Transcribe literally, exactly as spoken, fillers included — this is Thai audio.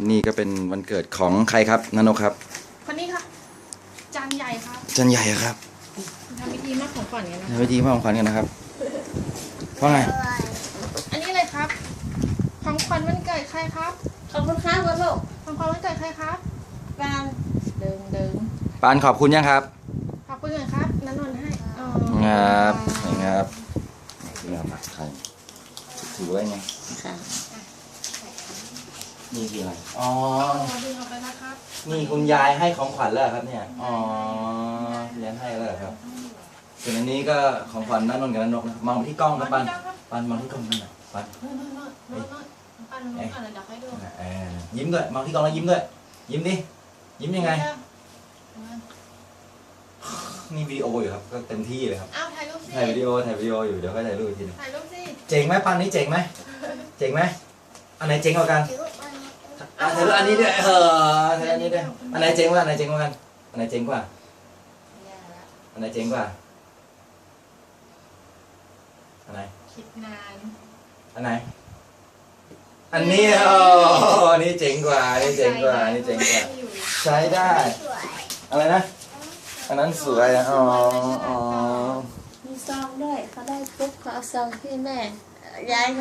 นี่ก็เป็นวันเกิดของใครครับนนกครับคนนี้ค่ะจานใหญ่ครับจานใหญ่ครับทำพิธีมอบของขวัญกันนะทำพิธีมอบของขวัญกันนะครับว่าไงอันนี้เลยครับของขวัญวันเกิดใครครับขอบคุณครับลูกของขวัญวันเกิดใครครับปานเดิงเดิงปานขอบคุณยังครับขอบคุณหน่อยครับนันนนให้อ๋อครับครับนี่ครับผักไทยถือไว้ไงค่ะนี่คืออะไรอ๋อดึงออกไปนะครับนี่คุณยายให้ของขวัญแล้วครับเนี่ยอ๋อเลี้ยงให้แล้วครับส่วนอันนี้ก็ของขวัญนันนนกับนันนกนะมองที่กล้องครับปานปานมองที่กล้องนั่นน่ะปานนู่นนู่นนู่นนู่นนู่นปานนู่นนู่นเดี๋ยวให้ดูยิ้มด้วยมองที่กล้องแล้วยิ้มด้วยยิ้มดิยิ้มยังไงนี่วิดีโออยู่ครับก็เต็มที่เลยครับอ้าวถ่ายรูปสิถ่ายวิดีโอถ่ายวิดีโออยู่เดี๋ยวค่อยถ่ายรูปอีกทีนึงถ่ายรูปสิเจ๋งไหมปานนี้เจ๋งไหมเจ๋งไหมอันไหนเจ๋งกว่ากันอ่ะถ่ายรูปอันนี้ด้วยเออถ่ายอันนี้ด้วยอันไหนเจ๋งกว่าอันไหนเจ๋งกว่ากันอันไหนเจ๋งกว่าอันไหนเจ๋งกว่าอันไหนคิดนานอันไหนอันนี้โอ้อันนี้เจ๋งกว่าอันนี้เจ๋งกว่าอันนี้เจ๋งกว่าใช้ได้อะไรนะอันนั้นสวยอ๋ออ๋อมีซองด้วยเขาได้ปุ๊บเขาเอาซองที่แม่ย้าย